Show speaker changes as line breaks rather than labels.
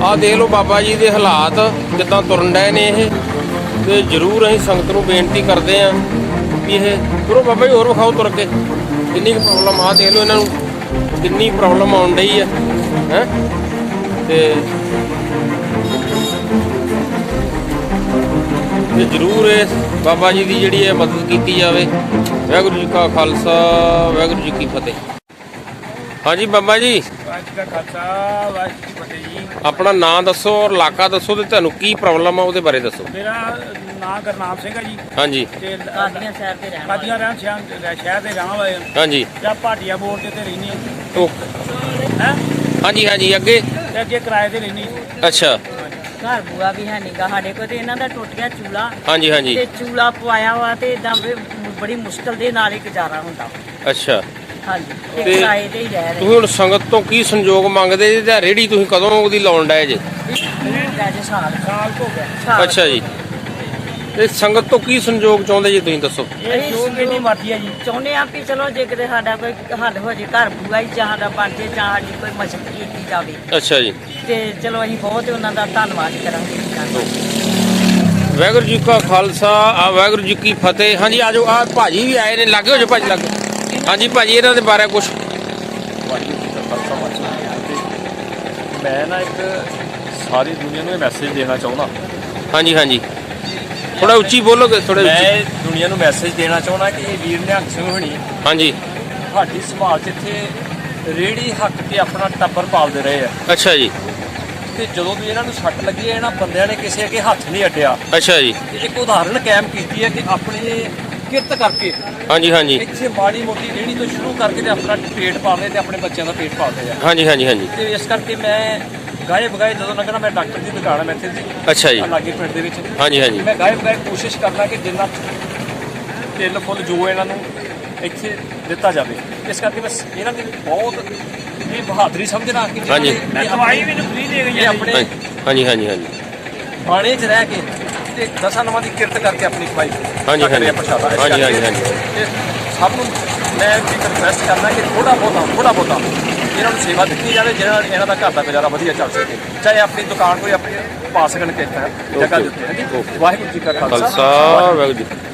ਆ ਦੇਖ ਲਓ ਬਾਬਾ ਜੀ ਦੇ ਹਾਲਾਤ ਕਿੱਦਾਂ ਤੁਰਨ ਡਏ ਨੇ ਇਹ। ਤੇ ਜ਼ਰੂਰ ਅਸੀਂ ਸੰਗਤ ਨੂੰ ਬੇਨਤੀ ਕਰਦੇ ਹਾਂ ਵੀ ਇਹ ਤੁਰੋ ਬਾਬਾ ਜੀ, ਹੋਰ ਵਿਖਾਓ ਤੁਰ ਕੇ ਕਿੰਨੀ ਕੁ ਪ੍ਰੋਬਲਮ ਆ। ਦੇਖ ਲਓ ਇਹਨਾਂ ਨੂੰ ਕਿੰਨੀ ਪ੍ਰੋਬਲਮ ਆਉਣ ਡਈ ਹੈ ਹੈਂ। ਤੇ ਜ਼ਰੂਰ ਇਸ ਬਾਬਾ ਜੀ ਦੀ ਜਿਹੜੀ ਹੈ ਮਦਦ ਕੀਤੀ ਜਾਵੇ। ਵਾਹਿਗੁਰੂ ਜੀ ਕਾ ਖਾਲਸਾ, ਵਾਹਿਗੁਰੂ ਜੀ ਕੀ ਫਤਿਹ। ਹਾਂਜੀ ਬਾਬਾ ਜੀ, ਆਪਣਾ ਨਾਂ ਦੱਸੋ ਔਰ ਇਲਾਕਾ ਦੱਸੋ ਤੇ ਤੁਹਾਨੂੰ ਕੀ ਪ੍ਰੋਬਲਮ ਆ ਉਹਦੇ ਬਾਰੇ ਦੱਸੋ।
ਮੇਰਾ ਨਾਮ ਗੁਰਨਾਮ ਸਿੰਘ ਹੈ ਜੀ।
ਹਾਂਜੀ।
ਤੇ ਕਾਦੀਆਂ ਸ਼ਹਿਰ ਦੇ ਰਹਿਣ ਵਾਲੇ ਹਾਂ।
ਹਾਂਜੀ।
ਜਾਂ ਭਾਟੀਆ ਬੋਰਡ ਤੇ ਰਹਿੰਦੇ
ਹਾਂ। ਹਾਂਜੀ ਹਾਂਜੀ। ਅੱਗੇ
ਤੇ ਅੱਗੇ ਕਿਰਾਏ ਤੇ ਰਹਿੰਦੇ।
ਅੱਛਾ।
ਘਰ ਬੂਆ ਵੀ ਹੈ ਨੀਗਾ ਸਾਡੇ ਕੋਲ ਤੇ ਇਹਨਾਂ ਦਾ ਟੁੱਟ ਗਿਆ ਚੂਲਾ।
ਹਾਂਜੀ ਹਾਂਜੀ।
ਤੇ ਚੂਲਾ ਪਵਾਇਆ ਵਾ ਤੇ ਇਦਾਂ ਬੜੀ ਮੁਸ਼ਕਲ ਦੇ ਨਾਲ ਹੀ ਗੁਜ਼ਾਰਾ ਹੁੰਦਾ।
ਅੱਛਾ।
ਹਾਂਜੀ। ਤੇ ਕਿਰਾਏ ਤੇ ਹੀ ਰਹਿ ਰਹੇ।
ਤੁਸੀਂ ਹੁਣ ਸੰਗਤ ਤੋਂ ਕੀ ਸੰਯੋਗ ਮੰਗਦੇ ਜੀ ਤੇ ਰੇਹੜੀ ਤੁਸੀਂ ਕਦੋਂ ਉਹਦੀ ਲਾਉਣ ਡਏ ਜੇ?
ਸਾਲ ਹੋ ਗਿਆ।
ਅੱਛਾ ਜੀ। ਤੇ ਸੰਗਤ ਤੋਂ ਕੀ ਸੰਯੋਗ ਚਾਹੁੰਦੇ ਜੀ ਤੁਸੀਂ ਦੱਸੋ?
ਇਹ ਜੋ ਮੇਰੀ ਮਰਜ਼ੀ ਹੈ ਜੀ।
ਚਾਹੁੰਦੇ ਆ ਵੀ ਚਲੋ ਜੇ ਕਿਤੇ ਸਾਡਾ ਕੋਈ ਹੱਲ ਹੋ ਜੇ, ਘਰ ਬੂਆ ਹੀ ਜਾਂ ਸਾਡਾ ਬਣ ਜੇ ਜਾਂ ਸਾਡੀ ਕੋਈ ਮਦਦ ਕੀਤੀ ਜਾਵੇ।
ਅੱਛਾ ਜੀ।
ਤੇ ਚਲੋ ਅਸੀਂ ਬਹੁਤ ਉਹਨਾਂ ਦਾ ਧੰਨਵਾਦ ਕਰਾਂਗੇ।
ਵਾਹਿਗੁਰੂ ਜੀ ਕਾ ਖਾਲਸਾ, ਵਾਹਿਗੁਰੂ ਜੀ ਕੀ ਫਤਿਹ। ਹਾਂਜੀ ਆਜੋ, ਆ ਭਾਜੀ ਵੀ ਆਏ ਨੇ, ਲੱਗੇ ਹੋ ਜੋ ਭਾਜੀ ਲੱਗੇ। ਹਾਂਜੀ ਭਾਜੀ, ਇਹਨਾਂ ਦੇ ਬਾਰੇ ਕੁਛ।
ਮੈਂ ਨਾ ਇੱਕ ਸਾਰੀ ਦੁਨੀਆ ਨੂੰ ਇਹ ਮੈਸੇਜ ਦੇਣਾ ਚਾਹੁੰਦਾ। ਹਾਂਜੀ
ਹਾਂਜੀ। ਥੋੜਾ ਉੱਚੀ ਬੋਲੋਗੇ? ਥੋੜਾ
ਮੈਂ ਦੁਨੀਆ ਨੂੰ ਮੈਸੇਜ ਦੇਣਾ ਚਾਹੁੰਦਾ ਕਿ ਇਹ ਵੀਰ ਨਿਹੰਗ ਸਿੰਘ ਹੋਣੀ
ਹਾਂਜੀ
ਸਾਡੀ ਸੰਭਾਲ 'ਚ ਇੱਥੇ ਰੇਹੜੀ ਹੱਕ ਕੇ ਆਪਣਾ ਟੱਬਰ ਪਾਲਦੇ ਰਹੇ ਆ।
ਅੱਛਾ ਜੀ।
ਤੇ ਜਦੋਂ ਵੀ ਇਹਨਾਂ ਨੂੰ ਸੱਟ ਲੱਗੀ ਹੈ, ਇਹਨਾਂ ਬੰਦਿਆਂ ਨੇ ਕਿਸੇ ਅੱਗੇ ਹੱਥ ਨਹੀਂ ਅੱਡਿਆ।
ਅੱਛਾ ਜੀ।
ਤੇ ਇੱਕ ਉਦਾਹਰਨ ਕਾਇਮ ਕੀਤੀ ਹੈ ਕਿ ਆਪਣੇ ਕਿਰਤ ਕਰਕੇ
ਹਾਂਜੀ ਹਾਂਜੀ
ਇੱਥੇ ਮਾੜੀ ਮੋਟੀ ਰੇਹੜੀ ਤੋਂ ਸ਼ੁਰੂ ਕਰਕੇ ਤੇ ਆਪਣਾ ਪੇਟ ਪਾਲਦੇ ਤੇ ਆਪਣੇ ਬੱਚਿਆਂ ਦਾ ਪੇਟ ਪਾਲਦੇ ਆ।
ਹਾਂਜੀ ਹਾਂਜੀ ਹਾਂਜੀ।
ਤੇ ਇਸ ਕਰਕੇ ਮੈਂ ਗਾਏ ਬਗਾਏ ਜਦੋਂ ਲੱਗਣਾ, ਮੈਂ ਡਾਕਟਰ ਦੀ ਦੁਕਾਨ ਹੈ ਮੈਂ ਇੱਥੇ ਦੀ।
ਅੱਛਾ ਜੀ।
ਲਾਗੇ ਪਿੰਡ ਦੇ ਵਿੱਚ।
ਹਾਂਜੀ ਹਾਂਜੀ।
ਮੈਂ ਗਾਏ ਬਗਾਏ ਕੋਸ਼ਿਸ਼ ਕਰਨਾ ਕਿ ਜਿੰਨਾ ਤਿਲ ਫੁੱਲ ਜੋ ਇਹਨਾਂ ਨੂੰ ਇੱਥੇ ਦਿੱਤਾ ਜਾਵੇ। ਇਸ ਕਰਕੇ ਬਸ ਇਹਨਾਂ ਦੀ ਬਹੁਤ ਇਹ ਬਹਾਦਰੀ ਸਮਝਣਾ ਕਿ
ਹਾਂਜੀ।
ਦਵਾਈ ਵੀ ਫ੍ਰੀ ਦੇ ਗਈ ਹੈ
ਆਪਣੇ
ਹਾਂਜੀ ਹਾਂਜੀ ਹਾਂਜੀ।
ਬਾਣੇ 'ਚ ਰਹਿ ਕੇ ਤੇ ਦਸਾਂ ਨਵਾਂ ਦੀ ਕਿਰਤ ਕਰਕੇ ਆਪਣੀ ਕਮਾਈ
ਹਾਂਜੀ ਹਾਂਜੀ ਹਾਂਜੀ ਹਾਂਜੀ ਹਾਂਜੀ।
ਤੇ ਸਭ ਨੂੰ ਮੈਂ ਇੱਕ ਰਿਕਵੈਸਟ ਕਰਦਾ ਕਿ ਥੋੜਾ ਬਹੁਤਾ ਇਹਨਾਂ ਨੂੰ ਸੇਵਾ ਦਿੱਤੀ ਜਾਵੇ, ਜਿਹਨਾਂ ਨਾਲ ਇਹਨਾਂ ਦਾ ਘਰ ਦਾ ਗੁਜ਼ਾਰਾ ਵਧੀਆ ਚੱਲ ਸਕੇ। ਚਾਹੇ ਆਪਣੀ ਦੁਕਾਨ ਕੋਈ ਆਪਣੀ ਪਾ ਸਕਣ ਕਿਸ ਤਰ੍ਹਾਂ ਜਗ੍ਹਾ ਦੇ ਉੱਤੇ। ਵਾਹਿਗੁਰੂ ਜੀ ਕਾ ਖਾਲਸਾ,
ਵਾਹਿਗੁਰੂ ਜੀ।